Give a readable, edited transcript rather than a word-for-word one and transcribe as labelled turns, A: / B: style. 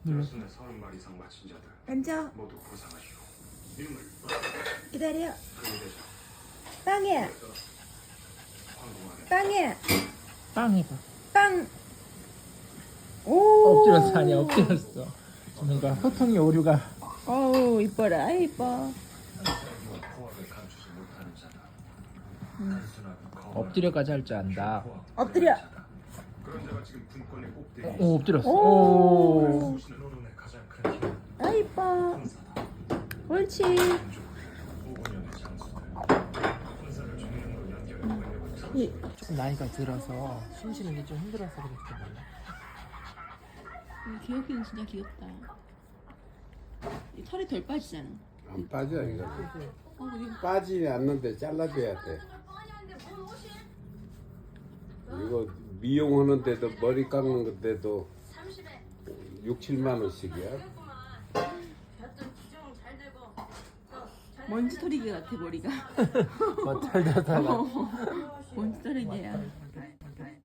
A: 저순에 30마리 이상 마친 자들
B: 앉아.
A: 모두 고상하시오. 이름을
B: 기다려.
A: 금대장
B: 빵이야.
A: 황궁안에
B: 빵이야.
C: 빵 해봐.
B: 빵. 오.
C: 엎드렸어. 아니 엎드렸어. 뭔가 소통의 오류가.
B: 어우 이뻐라. 아이 이뻐.
A: 호학을 감추지 못하는 자다. 단순하고 거만한
C: 엎드려까지 할 줄 안다.
B: 엎드려.
A: 자다. 그런 자가 지금 군권의 꼭대기에
C: 오 엎드렸어.
B: 오.
C: 오.
A: 수신의 노론의 가장 큰 힘은
B: 아 이뻐.
A: 군사다.
B: 옳지.
A: 민족을 5년의 장수들 군사를 중령으로 연결해 권력을
B: 이.
C: 조금 나이가 들어서 숨 쉬는 게 좀 힘들어서 그랬을 몰라.
B: 귀엽기는 진짜 귀엽다. 이 털이 덜 빠지잖아.
D: 안 빠져 이거.
B: 이거
D: 빠지지 않는데 잘라줘야 돼. 이거 미용하는데도 머리 깎는 건데도 6, 7만 원씩이야.
B: 먼지 털이기 같아 머리가.
C: 뭐 털다가
B: 먼지 털이기야.